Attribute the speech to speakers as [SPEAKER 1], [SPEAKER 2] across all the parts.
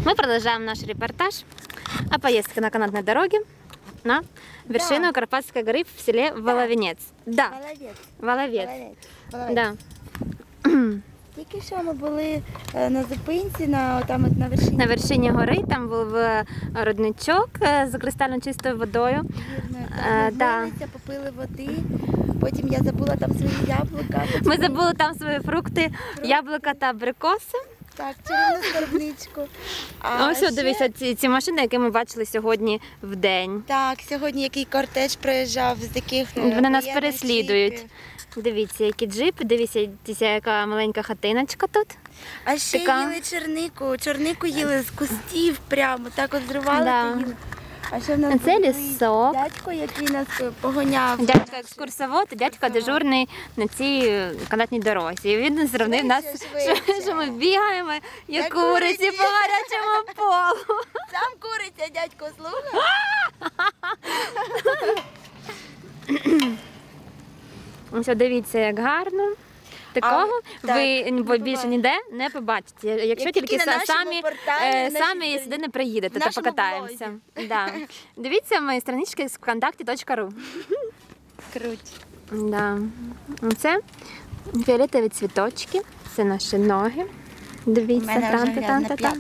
[SPEAKER 1] Мы продолжаем наш репортаж о поездке на канатной дороге на вершину Карпатской горы в селе Воловинец. Да. Воловець. Да.
[SPEAKER 2] Тільки що ми були на зупинці, там от на вершині.
[SPEAKER 1] На вершині гори, там був родничок з кристально чистою водою.
[SPEAKER 2] Вірно, попили води, потім я забула там свої яблука.
[SPEAKER 1] Ми забули там свої фрукти, яблука та абрикоси.
[SPEAKER 2] Так, чарівну скарбничку.
[SPEAKER 1] Ось, дивіться, ці машини, які ми бачили сьогодні в день.
[SPEAKER 2] Так, сьогодні який кортеж проїжджав з таких
[SPEAKER 1] Вони нас переслідують. Дивіться, які джипи, дивіться, яка маленька хатиночка тут.
[SPEAKER 2] А ще їли чорнику їли з кустів прямо, так от зривали та їли. А ще в нас
[SPEAKER 1] це лісок.
[SPEAKER 2] Дядько, який нас погоняв.
[SPEAKER 1] Дядько екскурсовод, дядько дежурний на цій канатній дорозі. І він зрівнив нас, що ми бігаємо, як куриці по гарячому полу.
[SPEAKER 2] Сам куриця, дядько, слухай.
[SPEAKER 1] Ось дивіться, як гарно. Такого ви більше ніде не побачите. Якщо тільки самі сюди не приїдете, то покатаємося. Да. Дивіться мої странички з вконтакті.ру.
[SPEAKER 2] Круть.
[SPEAKER 1] Да. Це фіолетові цвіточки, це наші ноги. Дивіться, там.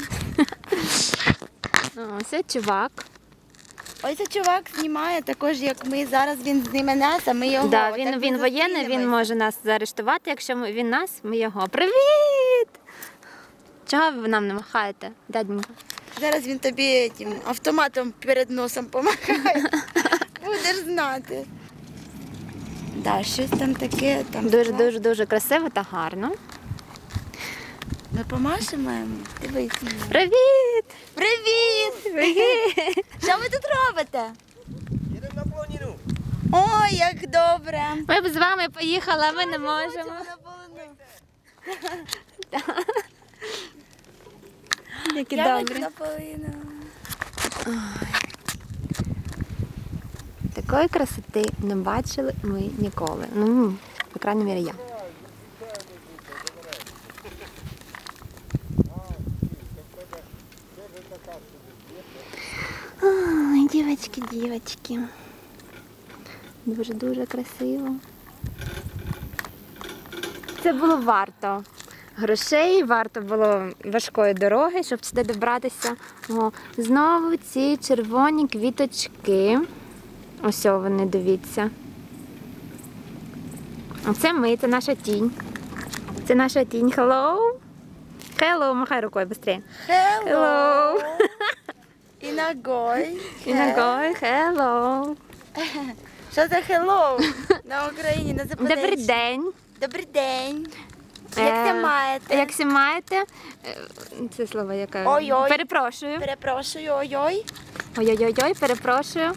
[SPEAKER 1] Ось чувак.
[SPEAKER 2] Ось цей чувак знімає також, як ми. Зараз він зніме нас, а ми його.
[SPEAKER 1] Да, він воєнний, він може нас заарештувати, якщо він нас, ми його. Привіт! Чого ви нам не махаєте, дяденька?
[SPEAKER 2] Зараз він тобі тим автоматом перед носом помахає. Будеш знати. Да, щось там таке.
[SPEAKER 1] Дуже красиво та гарно.
[SPEAKER 2] Ми помашемо йому? Дивись.
[SPEAKER 1] Привіт!
[SPEAKER 2] Привіт! Що ви тут робите?
[SPEAKER 3] Їдемо на полонину.
[SPEAKER 2] Ой, як добре.
[SPEAKER 1] Ми б з вами поїхали, а ми не можемо. Які добрі. Такої красоти не бачили ми ніколи. Ну, по крайній мірі, я. Ой, дівчатки. Дуже красиво. Це було варто грошей, варто було важкої дороги, щоб сюди добратися. О, знову ці червоні квіточки. Ось вони, дивіться. Оце ми, це наша тінь. Це наша тінь. Hello. Hello, махай рукою, швидше.
[SPEAKER 2] Hello. І ногой.
[SPEAKER 1] Hello.
[SPEAKER 2] Що за hello на Україні, на Запоріжжі?
[SPEAKER 1] Добрий день.
[SPEAKER 2] Добрий день. Як це маєте?
[SPEAKER 1] Як це маєте? Це слово яке?
[SPEAKER 2] Ой-ой.
[SPEAKER 1] Перепрошую.
[SPEAKER 2] Перепрошую, ой-ой.
[SPEAKER 1] Ой-ой-ой, перепрошую.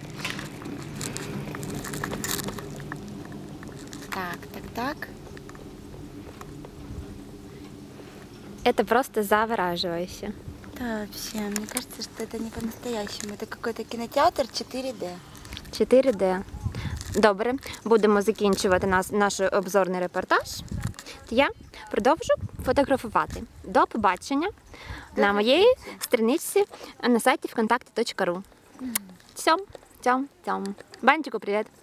[SPEAKER 2] Так.
[SPEAKER 1] Это просто завораживающе.
[SPEAKER 2] Да, вообще, мне кажется, что это не по-настоящему. Это какой-то кинотеатр 4D.
[SPEAKER 1] 4D. Добре, будемо закінчувати наш обзорний репортаж. Я продовжу фотографувати. До побачення на моїй страничці на сайті вконтакті.ру. Цьом. Банчику, привіт.